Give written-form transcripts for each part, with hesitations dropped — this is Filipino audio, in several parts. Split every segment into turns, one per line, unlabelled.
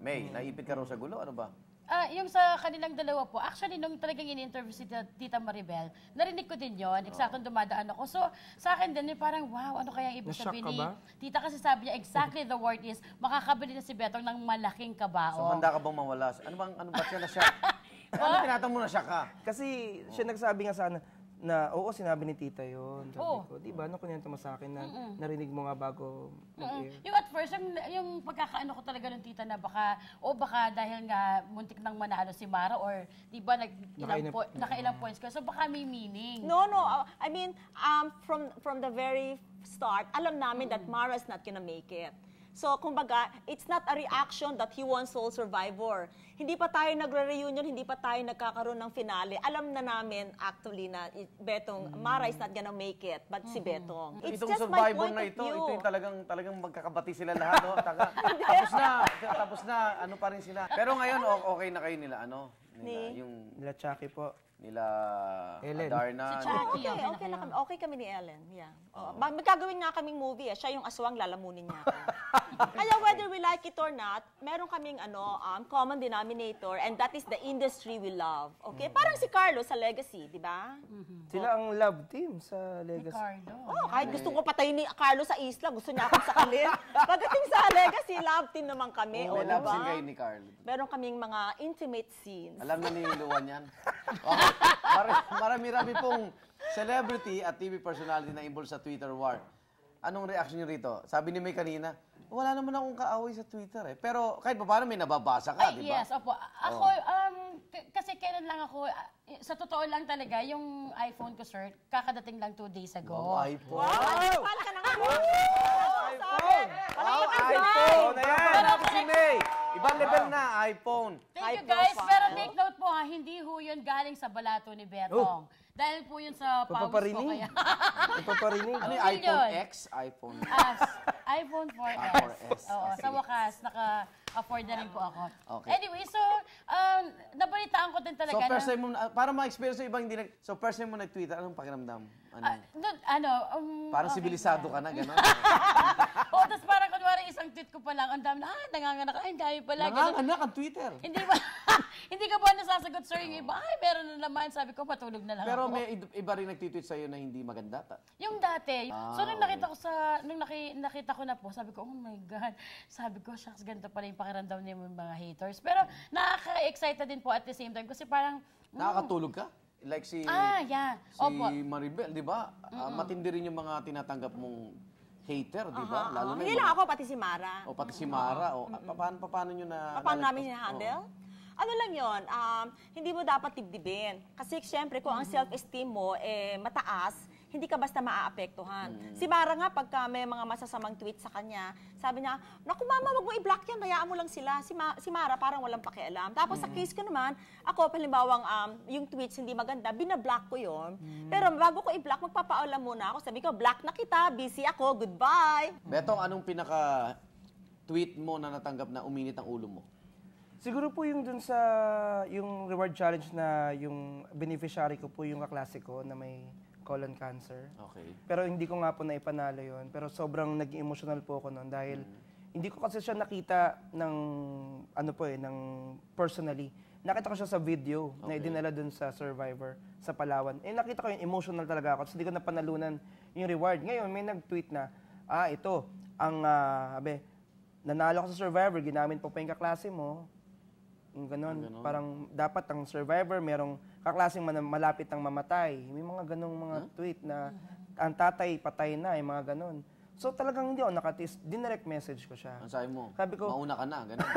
May, naipit ka raw sa gulo, ano ba?
Yung sa kanilang dalawa po, actually, nung talagang ini-interview si Tita Maribel, narinig ko din yon, eksaktong dumadaan ako. So, sa akin din, parang, wow, ano kaya ibig sabihin ni Tita? Kasi sabi niya, exactly the word is, makakabili na si Betong ng malaking kabao.
So, handa ka bang mawala? Ano ba siya na siya? Ano tinatanong mo na siya ka?
Kasi siya nagsabi nga sana, na oo, sinabi ni Tita yun. Sabi ko, di ba, ano kunento mo sa akin na narinig mo nga bago mag-air?
Yung at first, yung pagkakaano ko talaga ng Tita na baka dahil nga muntik nang manalo si Mara or di ba nakailang points ko. So baka may meaning.
No. I mean, from the very start, alam namin that Mara's not gonna make it. So, kumbaga, it's not a reaction that he won Soul Survivor. Hindi pa tayo nagre-reunion, hindi pa tayo nagkakaroon ng finale. Alam na namin, actually, na Betong, Mara is not gonna make it, but si Betong. It's
Itong
just my
Survivor
point
na
of
ito,
view.
ito yung talagang magkakabati sila lahat, no? Tapos na, ano pa rin sila. Pero ngayon, okay na kayo nila, ano?
Nila Chucky po.
Nila
Ellen.
Adarna.
Si Chucky.
Okay kami ni Ellen. Yeah. Magkagawin nga kaming movie. Siya yung aswang, lalamunin niya ako. Kaya whether we like it or not, meron kaming common denominator, and that is the industry we love. Okay? Parang si Carlo sa Legacy, di ba?
Sila ang love team sa Legacy.
Kahit gusto ko patayin ni Carlo sa isla, gusto niya akong sakalin. Pagdating sa Legacy, love team naman kami.
May love scene kayo ni Carlo.
Meron kaming mga intimate scenes.
Alam na ni Luwan yan. Marami-rami pong celebrity at TV personality na involved sa Twitter war. Anong reaction niyo rito? Sabi ni May kanina, wala naman akong kaaway sa Twitter eh. Pero kahit pa paano may nababasa ka, di ba?
Yes, opo. Ako, kasi kailan lang ako, sa totoo lang talaga, yung iPhone ko, sir, kakadating lang 2 days ago.
Oh, iPhone.
Wow! Pala ka na nga!
iPhone!
Wow, iPhone! Ayan! Si May! Ibang level na, iPhone.
Thank you guys, pero take note po ha, hindi ho yun galing sa balato ni Betong. Dahil po yun sa pawis ko kaya.
Papaparinig.
Ano yung iPhone X? iPhone
iPhone 4S.
4S.
Oo, sa wakas, naka-afford na rin po ako.
Okay.
Anyway, so, nabalitaan ko din talaga
So, first time mo, para ma-experience yung ibang hindi so, first time mo nag-Twitter, anong pakiramdam?
Parang
sibilisado ka na, gano'n?
Oo, tapos parang kunwari isang tweet ko pa lang, ang dami na, nanganganak, ang dami pala.
Nanganganak ang Twitter.
Hindi ba? Hindi ka ba nasasagot, sir? Yung iba, meron na naman. Sabi ko, matulog na lang
Pero
ako.
may iba rin nag-tweet sa'yo na hindi maganda.
Yung dati. So, nung nakita ko na po, sabi ko, oh my God. Sabi ko, shucks, ganito pala yung pakiramdam niya yung mga haters. Pero nakaka-excited din po at the same time. Kasi parang...
Nakakatulog ka? Like si Maribel, di ba? Matindi rin yung mga tinatanggap mong hater, di ba? Lalo na
Hindi lang ako, pati si Mara.
O pati si Mara. Paano nyo na...
Paano namin hina-handle? Ano lang yon, hindi mo dapat dibdibin. Kasi siyempre, kung ang self-esteem mo mataas, hindi ka basta maaapektuhan. Si Mara nga, pagka may mga masasamang tweet sa kanya, sabi niya, naku mama, wag mo i-block yan, hayaan mo lang sila. Si Mara parang walang pakialam. Tapos sa case ko naman, ako, palimbawang yung tweets hindi maganda, binablock ko yon. Pero bago ko i-block, magpapaalam muna ako. Sabi ko, block na kita, busy ako, goodbye.
Betong, anong pinaka-tweet mo na natanggap na uminit ang ulo mo?
Siguro po yung dun sa yung reward challenge na yung beneficiary ko po yung kaklase ko na may colon cancer.
Okay.
Pero hindi ko nga po naipanalo yon. Pero sobrang naging emotional po ako noon dahil hindi ko kasi siya nakita ng ng personally. Nakita ko siya sa video na idinala dun sa Survivor sa Palawan. Nakita ko yung emotional talaga ako. So hindi ko napanalunan yung reward. Ngayon may nag-tweet na, ito ang nanalo ko sa Survivor, ginamit po pa yung kaklase mo. Ganon. Parang dapat ang Survivor, merong kaklaseng malapit ang mamatay. May mga ganong mga tweet na ang tatay patay na, yung mga ganon. So talagang hindi ako nakatis. Dinirect message ko siya.
Ang sabi mo,
sabi ko,
mauna ka na, ganon.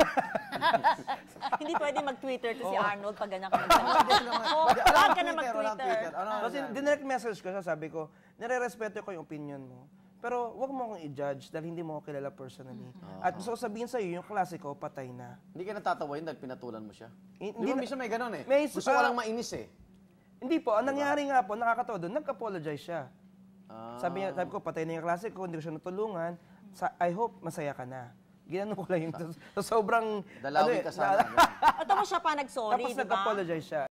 Hindi pwede mag-Twitter to si Arnold pag ganyan ka Wag ka na mag-Twitter.
Kasi dinirect message ko siya, sabi ko, nire-respeto ko yung opinion mo. Pero wag mo akong i-judge dahil hindi mo ako kilala personally. At gusto ko sabihin sa'yo, yung klase ko, patay na.
Hindi ka natatawa yun dahil pinatulan mo siya? Di
Hindi
ba, minsan may ganon eh.
Gusto
ko lang mainis eh.
Hindi po. Ang nangyari nga po, nakakatawa doon, nag-apologize siya. Sabi ko, patay na yung klase ko, hindi ko siya natulungan. I hope masaya ka na. Ginano ko lang yung sobrang...
Dalawin ka sana.
Ito mo siya pa nag-sorry,
Tapos
di ba?
nag-apologize siya.